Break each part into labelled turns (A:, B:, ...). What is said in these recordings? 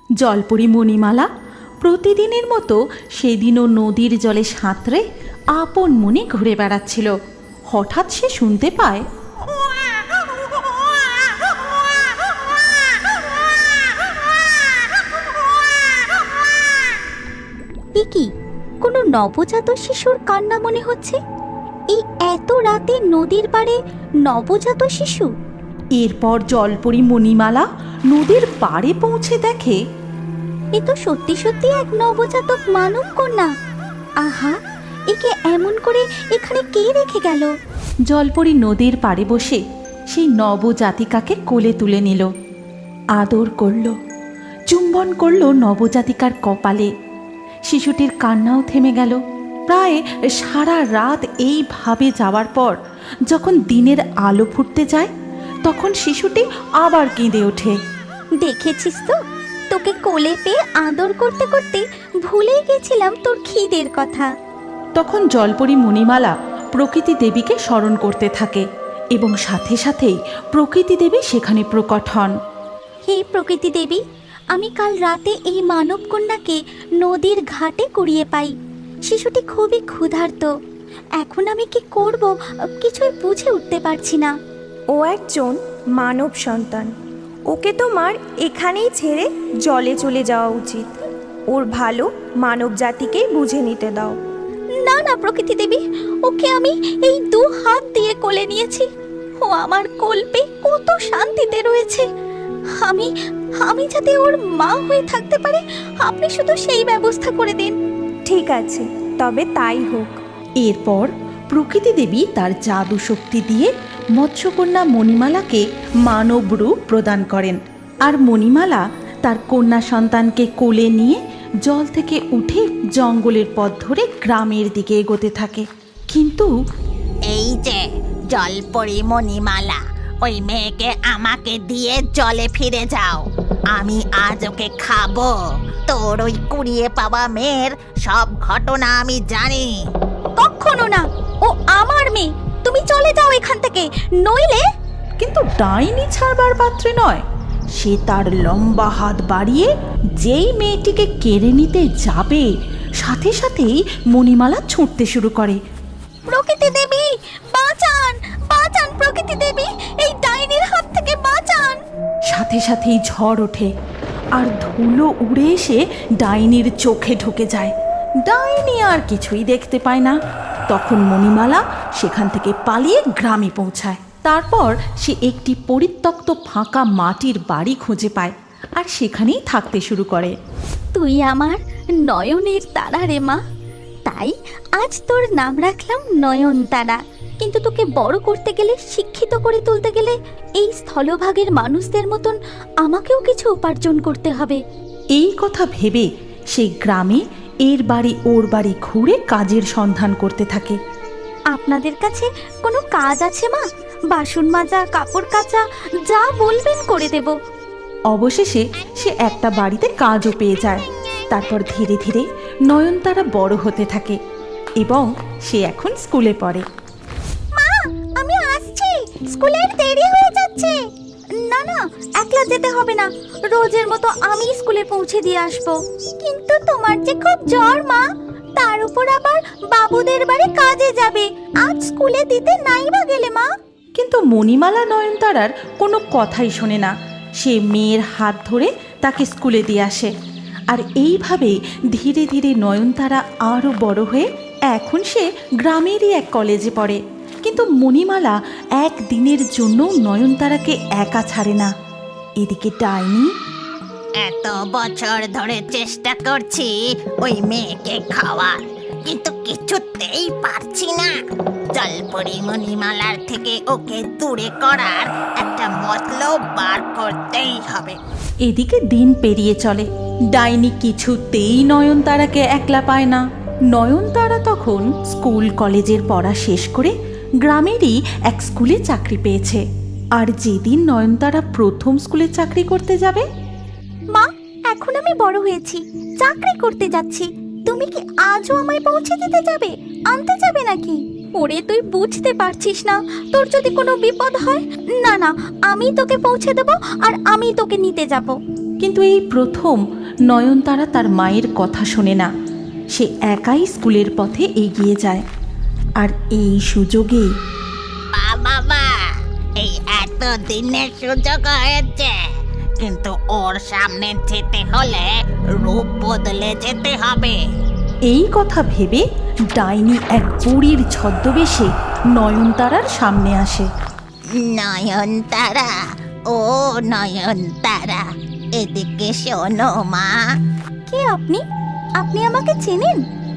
A: জলপরি মণিমালা প্রতিদিনের মতো সেদিনও নদীর জলে সাঁতরে আপন মনে ঘুরে বেড়াচ্ছিল। হঠাৎ সে শুনতে পায়,
B: কি কোনো নবজাত শিশুর কান্না মনে হচ্ছে। এই এত রাতে নদীর পাড়ে নবজাত শিশু।
A: এরপর জলপরি মণিমালা নদীর পাড়ে পৌঁছে দেখে
B: এ তো সত্যি সত্যি এক নবজাতক মানব কন্যা। আহা, একে এমন করে এখানে কে রেখে গেল?
A: জলপরি নদীর পাড়ে বসে সেই নবজাতিকাকে কোলে তুলে নিল, আদর করল, চুম্বন করল নবজাতিকার কপালে। শিশুটির কান্নাও থেমে গেল। প্রায় সারা রাত এইভাবে যাওয়ার পর যখন দিনের আলো ফুটতে যায়, তখন শিশুটি আবার কেঁদে ওঠে।
B: দেখেছিস তো, তোকে কোলে পেয়ে আদর করতে করতে ভুলেই গেছিলাম তোর খিদের কথা।
A: তখন জলপরি মণিমালা প্রকৃতি দেবীকে স্মরণ করতে থাকে এবং সাথে সাথেই প্রকৃতি দেবী সেখানে প্রকট হন।
B: হে প্রকৃতি দেবী, আমি কাল রাতে এই মানব কন্যাকে নদীর ঘাটে কুড়িয়ে পাই। শিশুটি খুবই ক্ষুধার্ত। এখন আমি কি করব কিছুই বুঝে উঠতে পারছি না।
C: ও একজন মানব সন্তান। ওকে তোমার এখানেই ছেড়ে জলে চলে যাওয়া উচিত। ওর ভালো মানব জাতিকেই বুঝে নিতে দাও।
B: না না প্রকৃতি দেবী, ওকে আমি এই 2 হাত দিয়ে কোলে নিয়েছি। ও আমার কোল পেয়ে কত শান্তিতে রয়েছে। আমি যাতে ওর মা হয়ে থাকতে পারে, আপনি শুধু সেই ব্যবস্থা করে দিন।
C: ঠিক আছে, তবে তাই হোক।
A: এরপর প্রকৃতি দেবী তার জাদু শক্তি দিয়ে মৎস্যকন্যা মণিমালাকে মানব রূপ প্রদান করেন। আর মণিমালা তার কন্যা সন্তানকে কোলে নিয়ে জল থেকে উঠে জঙ্গলের পথ ধরে গ্রামের দিকে এগোতে থাকে। কিন্তু
D: এই যে জলপরি মণিমালা, ওই মেয়েকে আমাকে দিয়ে জলে ফিরে যাও। আমি আজ ওকে খাবো। তোর ওই কুড়িয়ে পাওয়া মেয়ের সব ঘটনা আমি জানি।
B: কখনো না, ও আমার মেয়ে। তুমি চলে যাও এখান থেকে, নইলে।
A: কিন্তু ডাইনি ছাড়বার পাত্রে নয়। সে তার লম্বা হাত বাড়িয়ে যেই মেয়েটিকে কেড়ে নিতে যাবে, সাথে সাথেই মণিমালা ছুটতে শুরু করে।
B: প্রকৃতি দেবী বাঁচান, বাঁচান প্রকৃতি দেবী, এই ডাইনির হাত থেকে বাঁচান।
A: সাথে সাথেই ঝড় ওঠে আর ধুলো উড়ে এসে ডাইনির চোখে ঢুকে যায়। ডাইনি আর কিছুই দেখতে পায় না। তখন মণিমালা সেখান থেকে পালিয়ে গ্রামে পৌঁছায়। তারপর সে একটি পরিত্যক্ত ফাঁকা মাটির বাড়ি খুঁজে পায় আর সেখানেই থাকতে শুরু করে।
B: তুই আমার নয়নের তারা রে মা, তাই আজ তোর নাম রাখলাম নয়নতারা। কিন্তু তোকে বড় করতে গেলে, শিক্ষিত করে তুলতে গেলে এই স্থলভাগের মানুষদের মতন আমাকেও কিছু উপার্জন করতে হবে।
A: এই কথা ভেবে সেই গ্রামে এর বাড়ি ওর বাড়ি ঘুরে কাজের সন্ধান করতে থাকে।
B: আপনাদের কাছে কোনো কাজ আছে মা? বাসন মাজা, কাপড় কাচা, যা বলবেন করে দেব।
A: অবশেষে সে একটা বাড়িতে কাজও পেয়ে যায়। তারপর ধীরে ধীরে নয়নতারা বড় হতে থাকে এবং সে এখন স্কুলে পড়ে।
B: মা, আমি আসছি, স্কুলের দেরি হয়ে যাচ্ছে। না না, একলা যেতে হবে না, রোজের মতো আমি স্কুলে পৌঁছে দিয়ে আসবো। কিন্তু তোমার যে খুব জ্বর মা, তার উপর আবার বাবুদের বাড়ি কাজে যাবে। আজ স্কুলে দিতে নাই বা গেলে মা?
A: কিন্তু মণিমালা নয়নতারার কোনো কথাই শোনে না। সে মেয়ের হাত ধরে তাকে স্কুলে দিয়ে আসে। আর এইভাবে ধীরে ধীরে নয়নতারা আরও বড় হয়ে এখন সে গ্রামেরই এক কলেজে পড়ে। কিন্তু মণিমালা একদিনের জন্য নয়নতারাকে একা ছাড়ে না। এদিকে ডাইনি
D: এত বছর ধরে চেষ্টা করছি ওই মেয়েকে খাওয়ার, কিন্তু কিছুতেই পারছি না। জলপরি মণিমালার থেকে ওকে দূরে করার একটা মতলব বার করতেই হবে।
A: এদিকে দিন পেরিয়ে চলে। ডাইনি কিছুতেই নয়নতারাকে একলা পায় না। নয়নতারা তখন স্কুল কলেজের পড়া শেষ করে গ্রামেরই এক স্কুলে চাকরি পেয়েছে। আর যেদিন নয়নতারা প্রথম স্কুলে চাকরি করতে যাবে,
B: মা, এখন আমি বড় হয়েছি, চাকরি করতে যাচ্ছি। তুমি কি আজও আমায় পৌঁছে দিতে যাবে, আনতে যাবে নাকি? ওরে, তুই বুঝতে পারছিস না, তোর যদি কোনো বিপদ হয়? না না, আমি তোকে পৌঁছে দেব আর আমি তোকে নিতে যাব।
A: কিন্তু এই প্রথম নয়নতারা তার মায়ের কথা শোনে না। সে একাই স্কুলের পথে এগিয়ে যায়। আর এই সুযোগে
D: বাবা, এই এত দিনের সুযোগ হয়েছে, কিন্তু ওর সামনে যেতে হলে রূপ বদলে যেতে হবে।
A: এই কথা ভেবে ডাইনি এক বুড়ির ছদ্মবেশে নয়নতারার সামনে আসে।
D: নয়নতারা, ও নয়নতারা, এদিকে শোনো মা।
B: কে আপনি? আপনি আমাকে চেনেন?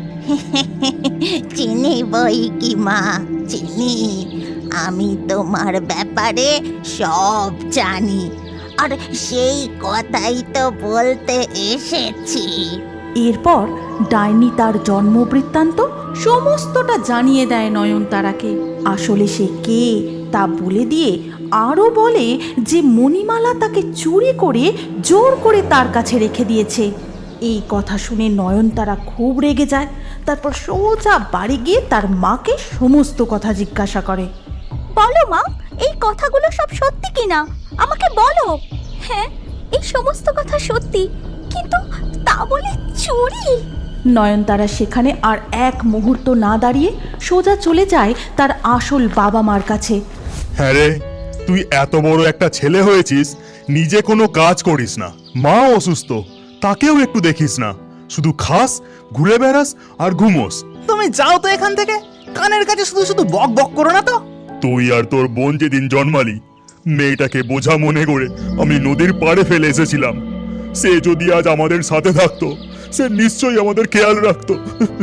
D: চিনি বই কি মা, চিনি। আমি তোমার ব্যাপারে সব জানি, আর সেই কথাই তো বলতে এসেছি।
A: এরপর ডাইনি তার জন্মবৃত্তান্ত সমস্তটা জানিয়ে দেয় নয়নতারাকে। আসলে সে কে তা বলে দিয়ে আরও বলে যে মণিমালা তাকে চুরি করে জোর করে তার কাছে রেখে দিয়েছে। এই কথা শুনে নয়নতারা খুব রেগে যায়। তারপর সোজা বাড়ি গিয়ে তার মাকে সমস্ত কথা জিজ্ঞাসা করে।
B: বলো মা, এই কথাগুলো সব সত্যি কিনা আমাকে বলো। হ্যাঁ, এই সমস্ত কথা সত্যি, কিন্তু তা বলে চুরি?
A: নয়নতারা সেখানে আর এক মুহূর্ত না দাঁড়িয়ে সোজা চলে যায় তার আসল বাবা মার কাছে।
E: হ্যাঁ রে, তুই এত বড় একটা ছেলে হয়েছিস, নিজে কোনো কাজ করিস না, মা অসুস্থ তাকেও একটু দেখিস না, শুধু খাস, ঘুরে বেড়াস আর ঘুমোস।
F: তুমি যাও তো এখান থেকে, কানের কাছে শুধু শুধু বক বক করো না তো।
E: তুই আর তোর বোন যেদিন জন্মালি, মেয়েটাকে বোঝা মনে করে আমি নদীর পাড়ে ফেলে এসেছিলাম। সে যদি আজ আমাদের সাথে থাকতো, সে নিশ্চয়ই আমাদের খেয়াল রাখতো।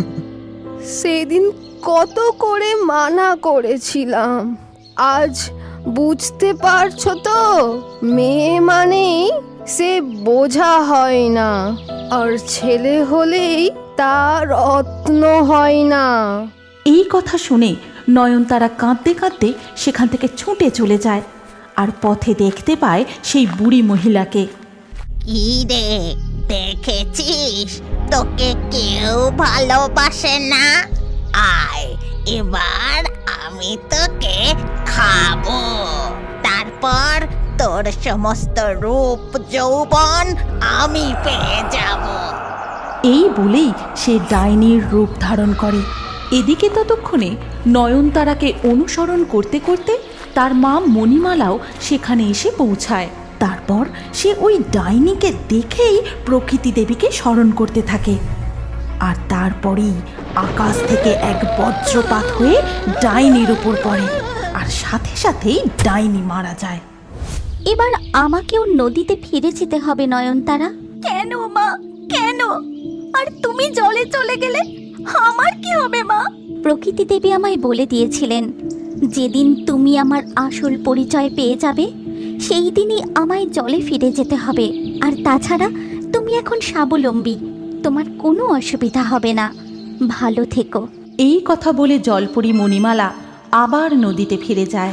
G: সেদিন কত করে মানা করেছিলাম, আজ বুঝতে পারছো তো? মেয়ে মানেই সে বোঝা হয় না, আর ছেলে হলেই তা রত্ন হয় না।
A: এই কথা শুনে নয়নতারা কাঁদতে কাঁদতে সেখান থেকে ছুটে চলে যায়। আর পথে দেখতে পায় সেই বুড়ি মহিলাকে।
D: কি রে, দেখেছিস তোকে কেউ ভালোবাসে না? আয়, এবার আমি তোকে খাবো, তারপর তোর সমস্ত রূপ যৌবন আমি পেয়ে যাব।
A: এই বলেই সে ডাইনির রূপ ধারণ করে। এদিকে ততক্ষণে নয়নতারাকে অনুসরণ করতে করতে তার মা মণিমালাও সেখানে এসে পৌঁছায়। তারপর সে ওই ডাইনিকে দেখেই প্রকৃতি দেবীকে স্মরণ করতে থাকে। আর তারপরেই আকাশ থেকে এক বজ্রপাত হয়ে ডাইনির উপর পড়ে, আর সাথে সাথেই ডাইনি মারা যায়।
B: এবার আমাকেও নদীতে ফিরে যেতে হবে নয়নতারা। কেন মা, কেন? আর তুমি জলে চলে গেলে আমার কি হবে মা? প্রকৃতি দেবী আমায় বলে দিয়েছিলেন, যেদিন তুমি আমার আসল পরিচয় পেয়ে যাবে সেই দিনই আমায় জলে ফিরে যেতে হবে। আর তাছাড়া তুমি এখন স্বাবলম্বী, তোমার কোনো অসুবিধা হবে না। ভালো থেকো।
A: এই কথা বলে জলপরি মণিমালা আবার নদীতে ফিরে যায়।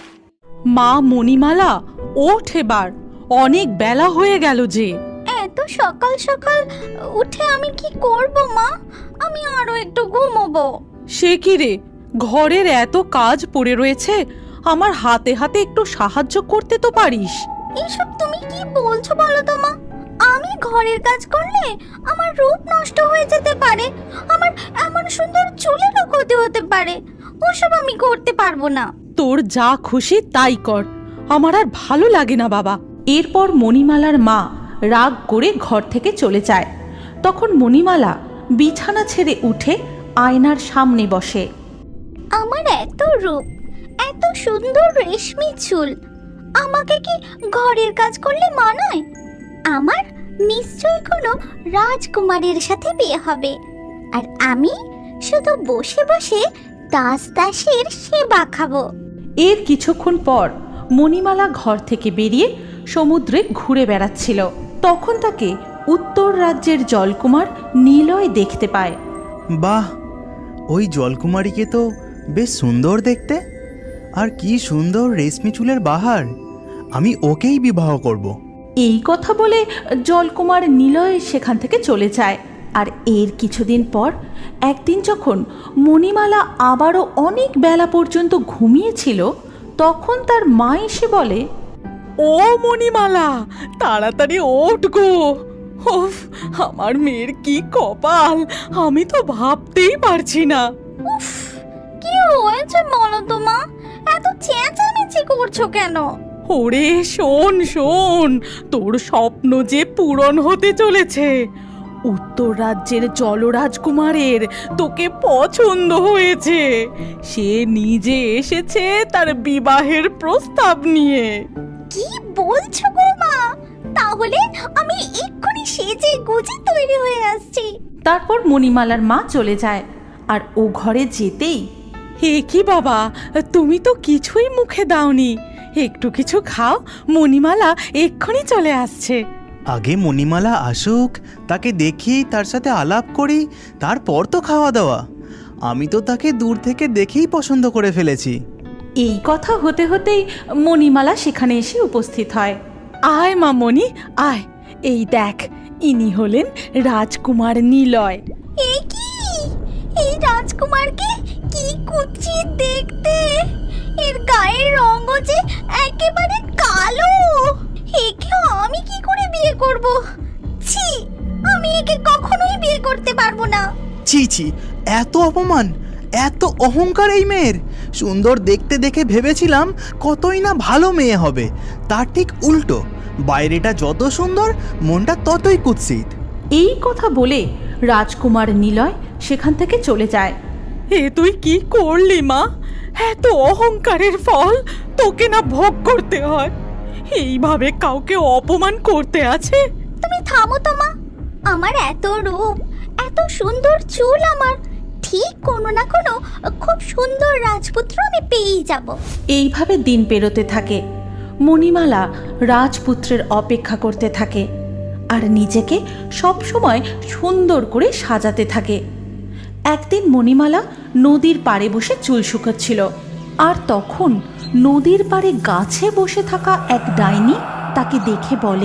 A: মা মণিমালা, ওঠ এবার, অনেক বেলা হয়ে গেল যে।
B: এত সকাল সকাল উঠে আমি কি করব মা? আমি আরো একটু ঘুমোবো।
A: সে কি রে, ঘরের এত কাজ পড়ে রয়েছে, আমার হাতে হাতে একটু সাহায্য করতে তো পারিস।
B: এইসব তুমি কি বলছো বলো তো মা? আমি ঘরের কাজ করলে আমার রূপ নষ্ট হয়ে যেতে পারে, আমার এমন সুন্দর চুলেরও ক্ষতি হতে পারে। ওসব আমি করতে পারবো না।
A: তোর যা খুশি তাই কর, আমার আর ভালো লাগে না বাবা। এরপর মণিমালার মা রাগ করে ঘর থেকে চলে যায়। তখন মণিমালা বিছানা ছেড়ে উঠে আয়নার সামনে বসে।
B: আমার এত রূপ, এত সুন্দর রেশমি চুল, আমাকে কি ঘরের কাজ করলে মানায়? আমার নিশ্চয়ই কোনো রাজকুমারীর সাথে বিয়ে হবে, আর আমি শুধু বসে বসে দাসদাসীর সেবা খাবো।
A: এর কিছুক্ষণ পর মণিমালা ঘর থেকে বেরিয়ে সমুদ্রে ঘুরে বেড়াচ্ছিল। তখন তাকে উত্তর রাজ্যের জলকুমার নিলয় দেখতে পায়।
F: বাহ, ওই জলকুমারীকে তো বেশ সুন্দর দেখতে, আর কি সুন্দর রেশমি চুলের বাহার, আমি ওকেই বিবাহ করব।
A: এই কথা বলে জলকুমার নিলয় সেখান থেকে চলে যায়। আর এর কিছুদিন পর একদিন যখন মণিমালা আবারও অনেক বেলা পর্যন্ত ঘুমিয়েছিল, তখন তার মা এসে বলে, ও মণিমালা, তাড়াতাড়ি ওঠ গো। ওফ, আমার মেয়ের কি কপাল, আমি তো ভাবতেই পারছি না।
B: উফ, কি হয়েছে বলো তো মা? এত চেঁচামেচি করছো কেন?
A: ওরে শোন শোন, তোর স্বপ্ন যে পূরণ হতে চলেছে। উত্তর রাজ্যের জলরাজকুমারের তোকে পছন্দ হয়েছে। সে নিজে এসেছে তার বিবাহের প্রস্তাব নিয়ে।
B: কি বলছো গো মা? তাহলে আমি এক্ষুনি সেজে গুজে তৈরি হয়ে আসছি।
A: তারপর মণিমালার মা চলে যায়, আর ও ঘরে যেতেই, হে কি বাবা, তুমি তো কিছুই মুখে দাওনি, একটু কিছু খাও, মণিমালা এক্ষুনি চলে আসছে।
F: আগে মণিমালা আসুক, তাকে দেখি, তার সাথে আলাপ করি, তারপর তো খাওয়া দাওয়া। আমি তো তাকে দূর থেকে দেখেই পছন্দ করে ফেলেছি।
A: এই কথা হতে হতেই মণিমালা সেখানে এসে উপস্থিত হয়। আয় মা মণি, আয়, এই দেখ, ইনি হলেন রাজকুমার নিলয়।
B: এই কি, এই রাজকুমারকে কি কুৎসিত দেখতে! এর গায়ের রঙও যে একেবারে কালো। একে আমি কি করে বিয়ে করব? ছি, আমি একে কখনোই বিয়ে করতে পারবো না।
F: ছি ছি, এত অপমান, এত অহংকার এই মেয়ের! সুন্দর দেখতে দেখে ভেবেছিলাম কতই না ভালো মেয়ে হবে, তার ঠিক উল্টো। বাইরেটা যত সুন্দর, মনটা ততই কুৎসিত।
A: এই কথা বলে রাজকুমার নিলয় সেখান থেকে চলে যায়। এ তুই কি করলি মা? এত অহংকারের ফল তোকে না ভোগ করতে হয়? এইভাবে কাউকে অপমান করতে আছে?
B: তুমি থামো তো মা। আমার এত রূপ, এত সুন্দর চুল, আমার ঠিক কোনো না কোনো খুব সুন্দর রাজপুত্র আমি পেয়েই যাব।
A: এইভাবে দিন পেরোতে থাকে। মণিমালা রাজপুত্রের অপেক্ষা করতে থাকে আর নিজেকে সবসময় সুন্দর করে সাজাতে থাকে। একদিন মণিমালা নদীর পাড়ে বসে চুল শুকাচ্ছিল, আর তখন নদীর পাড়ে গাছে বসে থাকা এক ডাইনি তাকে দেখে বলে,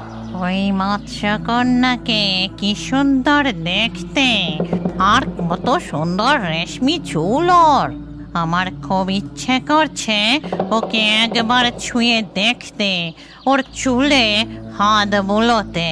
D: ওই মৎস্যকন্যাকে কি সুন্দর দেখতে, আর কত সুন্দর রেশমি চুল ওর। আমার খুব ইচ্ছে করছে ওকে একবার ছুঁয়ে দেখতে, ওর চুলে হাত বুলোতে।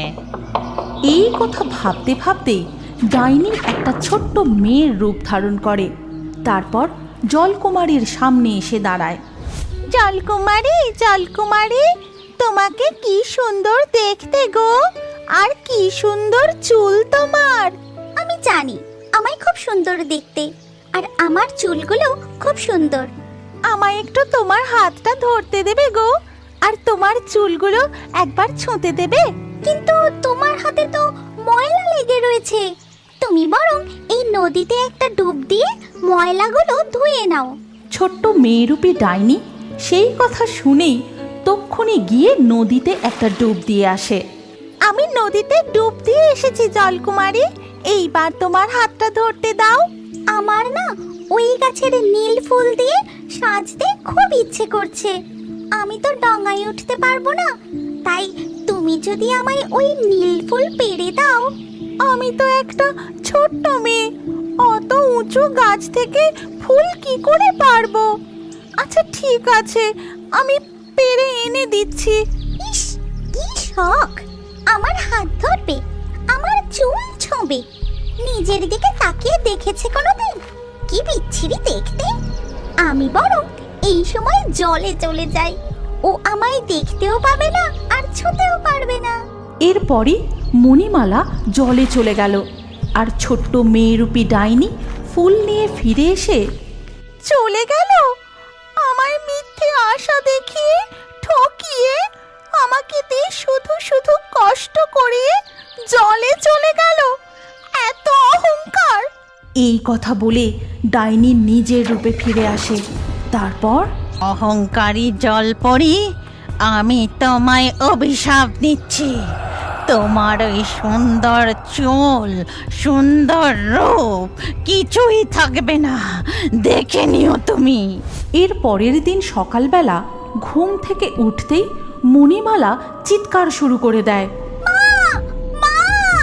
A: এই কথা ভাবতে ভাবতে ডাইনি একটা ছোট্ট মেয়ের রূপ ধারণ করে। তারপর জলকুমারীর সামনে এসে দাঁড়ায়।
B: জলকুমারী, জলকুমারী, তোমাকে কি সুন্দর দেখতে গো, আর কি সুন্দর চুল তোমার। আমি জানি আমায় খুব সুন্দর দেখতে, আর আমার চুলগুলো খুব সুন্দর। আমায় একটু তোমার হাতটা ধরতে দেবে গো, আর তোমার চুলগুলো একবার ছুঁতে দেবে? কিন্তু তোমার হাতে তো ময়লা লেগে রয়েছে। তুমি বরং এই নদীতে একটা ডুব দিয়ে ময়লাগুলো ধুয়ে নাও।
A: ছোট্ট মেয়েরূপী ডাইনি সেই কথা শুনেই তক্ষুনি গিয়ে নদীতে একটা ডুব দিয়ে আসে।
B: আমি নদীতে ডুব দিয়ে এসেছি জলকুমারী, এইবার তোমার হাতটা ধরতে দাও। আমার না ওই গাছের নীল ফুল দিয়ে সাজতে খুব ইচ্ছে করছে। আমি তো ডাঙায় উঠতে পারবো না, তাই তুমি যদি আমায় ওই নীল ফুল পেড়ে দাও। আমি তো একটা ছোট্ট মেয়ে, অত উঁচু গাছ থেকে ফুল কি করে পারবো? আচ্ছা ঠিক আছে, আমি পেড়ে এনে দিচ্ছি। ইস, কি শখ! আমার হাত ধরবে, আমার চুল ছোঁবে, নিজের দিকে তাকিয়ে দেখেছে কোনোদিন? কি বিচ্ছিরি দেখতে! আমি বরং এই সময় জলে চলে যাই, ও আমায় দেখতেও পাবে না আর ছুঁতেও পারবে না।
A: এরপরই মণিমালা জলে চলে গেল, আর ছোট্ট মেয়েরূপী ডাইনি ফুল নিয়ে ফিরে এসে
B: চলে গেল আমায় মিথ্যে আশা দেখিয়ে, ঠকিয়ে, আমাকে দিয়ে শুধু শুধু কষ্ট করিয়ে জলে চলে গেল। এত অহংকার!
A: এই কথা বলে ডাইনি নিজের রূপে ফিরে আসে। তারপর,
D: অহংকারী জলপরি, আমি তোমায় অভিশাপ দিচ্ছি। তোমার ওই সুন্দর চুল, সুন্দর রূপ কিছুই থাকবে না, দেখে নিও তুমি।
A: এর পরের দিন সকালবেলা ঘুম থেকে উঠতেই মণিমালা চিৎকার শুরু করে দেয়।
B: মা,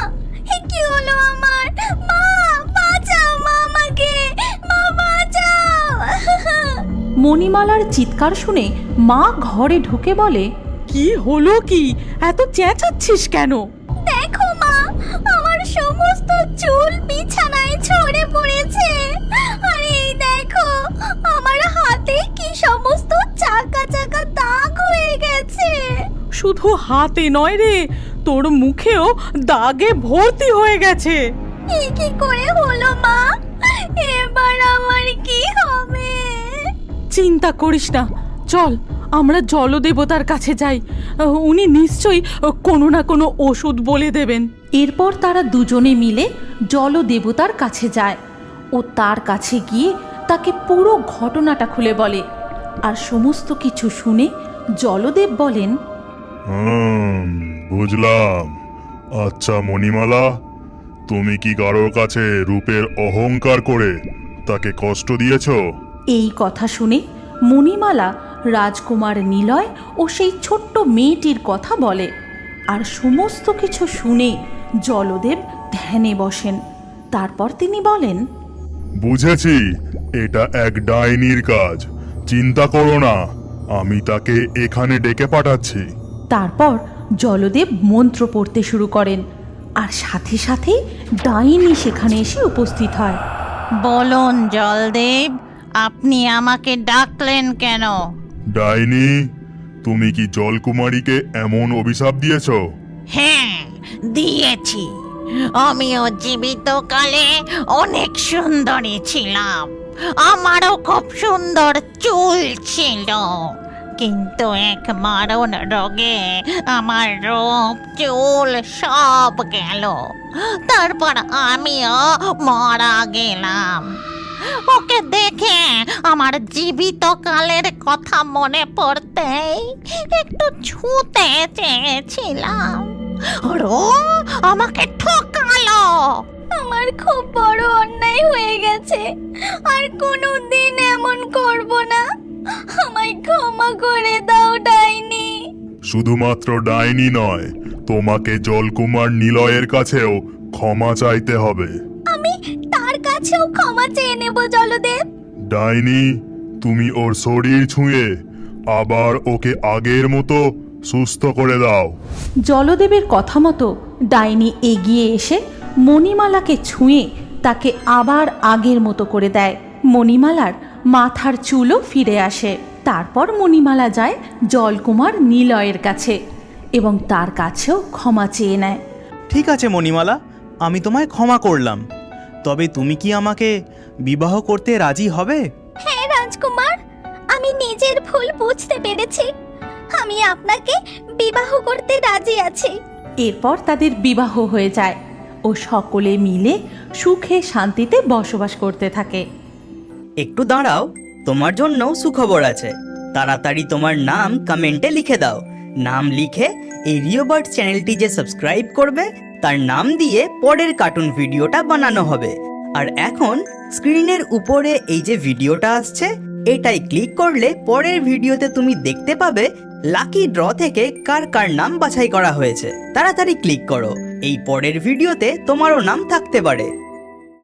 B: কি হলো আমার? মা, বাঁচাও মা, আমাকে মা, বাঁচাও।
A: মণিমালার চিৎকার শুনে মা ঘরে ঢুকে বলে, কি হলো কি? এত চেঁচাচ্ছিস কেন?
B: দেখো মা, আমার সমস্ত চুল বিছানায় ছড়ে পড়েছে। আর এই দেখো, আমার হাতে কি সমস্ত চাকা চাকা দাগ হয়ে গেছে।
A: শুধু হাতে নয় রে, তোর মুখেও দাগে ভর্তি হয়ে গেছে।
B: এ কি করে হলো মা? এবার আমার কি হবে?
A: চিন্তা করিস না, চল আমরা জলদেবতার কাছে যাই। উনি নিশ্চয়ই কোনো না কোনো ওষুধ বলে দেবেন। এরপর তারা দুজনে মিলে জলদেবতার কাছে যায় ও তার কাছে গিয়ে তাকে পুরো ঘটনাটা খুলে বলে। আর সমস্ত কিছু শুনে জলদেব বলেন,
E: বুঝলাম। আচ্ছা মণিমালা, তুমি কি কারোর কাছে রূপের অহংকার করে তাকে কষ্ট দিয়েছো?
A: এই কথা শুনে মণিমালা রাজকুমার নিলয় ও সেই ছোট্ট মেয়েটির কথা বলে। আর সমস্ত কিছু শুনে জলদেব ধ্যানে বসেন। তারপর তিনি বলেন,
E: বুঝেছি, এটা এক ডাইনির কাজ। চিন্তা করো না, আমি তাকে এখানে ডেকে পাঠাচ্ছি।
A: তারপর জলদেব মন্ত্র পড়তে শুরু করেন আর সাথে সাথেই ডাইনি সেখানে এসে উপস্থিত হয়।
D: বলুন জলদেব, আপনি আমাকে ডাকলেন কেন?
E: ডাইনি, তুমি কি জলকুমারীকে এমন অভিশাপ দিয়েছো?
D: হ্যাঁ, দিয়েছি। আমিও জীবিত কালে অনেক সুন্দরী ছিলাম, আমারও খুব সুন্দর চুল ছিল। কিন্তু এক মারণ রোগে আমার রূপ চুল সব গেল। তারপর আমিও মারা গেলাম। ওকে দেখে আমার জীবিত কালের কথা মনে পড়তেই একটু ছুঁতে চেয়েছিলাম, আর ও আমাকে ঠকালো।
B: আমার খুব বড় অন্যায় হয়ে গেছে, আর কোনোদিন এমন করব না। আমায় ক্ষমা করে দাও ডাইনি।
E: শুধুমাত্র ডাইনি নয়, তোমাকে জলকুমার নিলয়ের কাছেও ক্ষমা চাইতে হবে।
B: আমি তার কাছেও ক্ষমা চেয়ে নেব জলদেব।
E: ডাইনি, তুমি ওর শরীর ছুঁয়ে আবার ওকে আগের মতো সুস্থ করে দাও।
A: জলদেবের কথা মতো ডাইনি এগিয়ে এসে মণিমালাকে ছুঁয়ে তাকে আবার আগের মতো করে দেয়। মণিমালার মাথার চুলও ফিরে আসে। তারপর মণিমালা যায় জলকুমার নিলয়ের কাছে এবং তার কাছেও ক্ষমা চেয়ে নেয়।
F: ঠিক আছে মণিমালা, আমি তোমায় ক্ষমা করলাম। তবে তুমি কি আমাকে বিবাহ করতে রাজি হবে?
B: হ্যাঁ রাজকুমার, আমি নিজের ভুল বুঝতে পেরেছি। আমি আপনাকে বিবাহ করতে রাজি আছি।
A: এরপর তাদের বিবাহ হয়ে যায় ও সকলে মিলে সুখে শান্তিতে বসবাস করতে থাকে।
H: একটু দাঁড়াও, তোমার জন্য সুখবর আছে। তাড়াতাড়ি তোমার নাম কমেন্টে লিখে দাও। নাম লিখে এই রিওবার্ড চ্যানেলটি যে সাবস্ক্রাইব করবে তার নাম দিয়ে পরের কার্টুন ভিডিওটা বানানো হবে। আর এখন স্ক্রিনের উপরে এই যে ভিডিওটা আসছে, এটাই ক্লিক করলে পরের ভিডিওতে তুমি দেখতে পাবে লাকি ড্র থেকে কার কার নাম বাছাই করা হয়েছে। তাড়াতাড়ি ক্লিক করো, এই পরের ভিডিওতে তোমারও নাম থাকতে পারে।